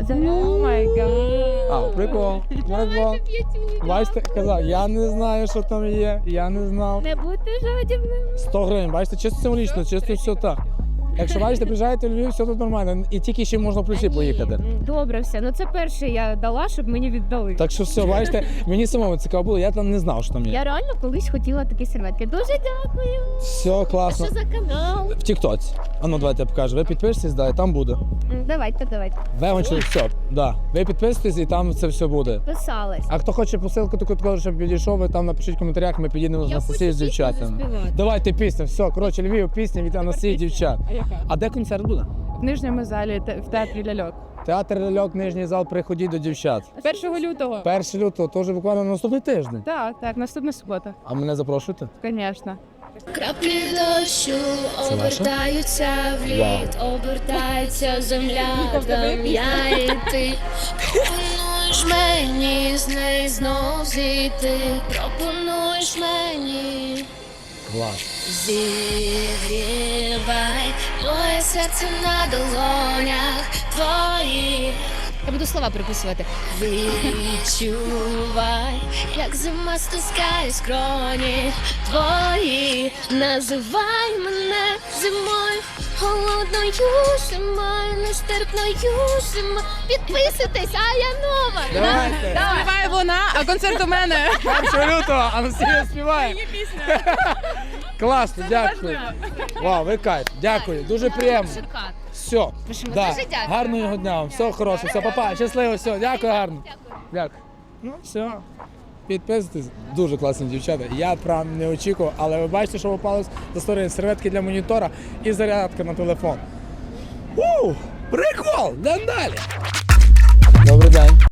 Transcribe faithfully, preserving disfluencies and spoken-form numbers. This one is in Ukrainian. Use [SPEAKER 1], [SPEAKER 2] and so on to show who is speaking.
[SPEAKER 1] О май гад.
[SPEAKER 2] А, прикол. Прикол. Бачите, казав, я не знаю, що там є, я не знав.
[SPEAKER 1] Не будьте жадібними.
[SPEAKER 2] сто гривень, бачите, чисто символічно, чисто все так. Якщо бачите, приїжджаєте в Львів, все тут нормально. І тільки ще можна в плюсі поїхати.
[SPEAKER 1] Добре, все. Ну це перше я дала, щоб мені віддали.
[SPEAKER 2] Так що все, бачите, мені самому цікаво було, я там не знав, що там є.
[SPEAKER 1] Я реально колись хотіла такі серветки. Дуже дякую.
[SPEAKER 2] Все
[SPEAKER 1] А
[SPEAKER 2] класно.
[SPEAKER 1] що за канал?
[SPEAKER 2] В Тіктоці. А ну давайте я покажу. Ви підпишетесь, да, і там буде.
[SPEAKER 1] М, Давайте, давайте.
[SPEAKER 2] Вегончик, все, да. Ви підписуєтесь і там це все буде.
[SPEAKER 1] Писалась.
[SPEAKER 2] А хто хоче посилку таку, таку, щоб підійшов, ви там напишіть в коментарях, ми підійдемо з Анастасією з дівчатами. Давайте пісню, все, коротше, Львів, пісня від Анастасії дівчат.
[SPEAKER 3] А яка?
[SPEAKER 2] А де концерт буде?
[SPEAKER 3] В нижньому залі те- в театрі ляльок.
[SPEAKER 2] Театр ляльок, нижній зал, приходіть до дівчат.
[SPEAKER 3] першого лютого.
[SPEAKER 2] першого лютого, теж буквально на наступний тиждень.
[SPEAKER 3] Так, так, наступна субота.
[SPEAKER 2] А мене запрошуєте?
[SPEAKER 3] Звісно.
[SPEAKER 4] Краплі дощу
[SPEAKER 2] Це ваше?
[SPEAKER 4] обертаються в лід, обертається земля, там я і ти. Пропонуєш мені з неї знов зійти, пропонуєш мені.
[SPEAKER 2] Клас.
[SPEAKER 4] Зігрівай моє серце на долонях твоїх.
[SPEAKER 1] Я буду слова приписувати.
[SPEAKER 4] Відчувай, як зима стискає скроні твої. Називай мене зимою, холодною зимою, нестерпною зимою. Підписуйтесь, а я нова.
[SPEAKER 2] Давайте.
[SPEAKER 3] Співає вона, а концерт у мене.
[SPEAKER 2] першого лютого Анастасія співає. Класно, дякую. Вау, ви кайф. Дякую, дуже приємно. Все,
[SPEAKER 1] Пишемо.
[SPEAKER 2] да.
[SPEAKER 1] Дуже дякую.
[SPEAKER 2] Гарного дня вам, все хороше, все, папа, щасливо, все, дякую гарно. Дякую. Ну, все. Підписуйтесь, дуже класні дівчата. Я прям не очікував, але ви бачите, що попалось до сторони серветки для монітора і зарядка на телефон. У, прикол, йдемо далі. Добрий день.